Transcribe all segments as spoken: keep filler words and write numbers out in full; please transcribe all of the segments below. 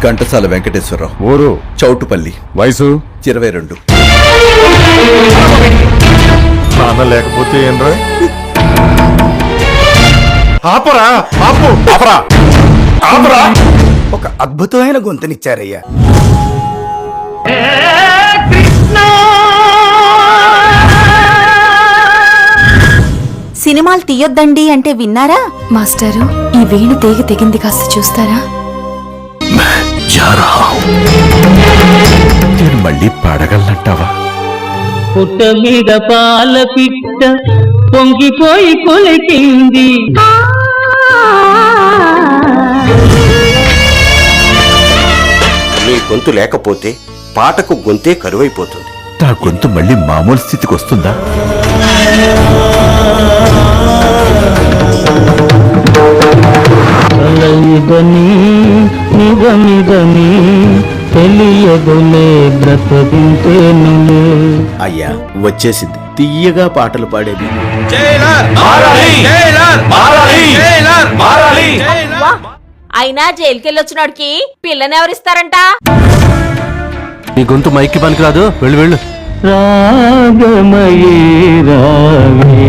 ఘంటసాల వెంకటేశ్వరరావు. ఊరు చౌటుపల్లి. వయసు ఇరవై రెండు. నాన్న లేకపోతే ఏంట్రా? ఆపరా ఆపు ఆపరా ఆపరా. ఒక అద్భుతమైన గొంతునిచ్చారయ్యా. సినిమాలు తీయొద్దండి అంటే విన్నారా? మాస్టారు, ఈ వేణు తీగ తెగింది, కాస్త చూస్తారా? నేను మళ్ళీ పాడగలనంటావా? పుట్ట మీద పాల పిట్ట పొంగిపోయి కొలికింది. నీ గొంతు లేకపోతే పాటకు గొంతే కరువైపోతుంది. నా గొంతు మళ్ళీ మామూలు స్థితికి వస్తుందా? కలయిదని నిజమిదని తెలియదులే బ్రతకింతేనులే. అయ్యా వచ్చేసింది తీయగా పాటలు పాడేది. అయినా జైలుకెళ్ళొచ్చినోడికి పిల్లనెవరిస్తారంట? నీ గొంతు మైక్కి పనికిరాదు, వెళ్ళు వెళ్ళు. రాగమయీ రావే.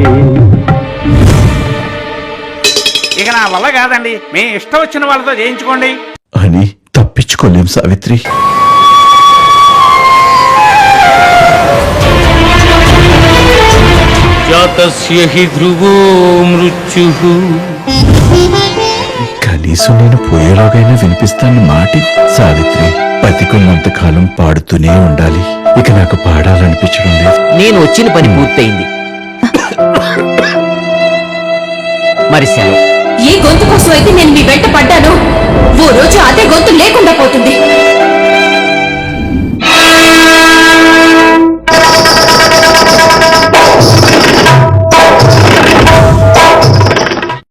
ఇక నా వల్ల కాదండి, మీ ఇష్టం వచ్చిన వాళ్ళతో చేయించుకోండి అని తప్పించుకోలేం సావిత్రి. జాతస్య హి ధ్రువో మృత్యుః. కనీసం నేను పోయేలోగైనా వినిపిస్తాను మాటి. సావిత్రి, బతికున్నంత కాలం పాడుతూనే ఉండాలి. ఇక నాకు పాడాలనిపించడం లేదు. నేను వచ్చిన పని పూర్తయింది. మరి సెలవు. ఏ గొంతు కోసం అయితే నేను మీ వెంట పడ్డాను, ఓ రోజు అదే గొంతు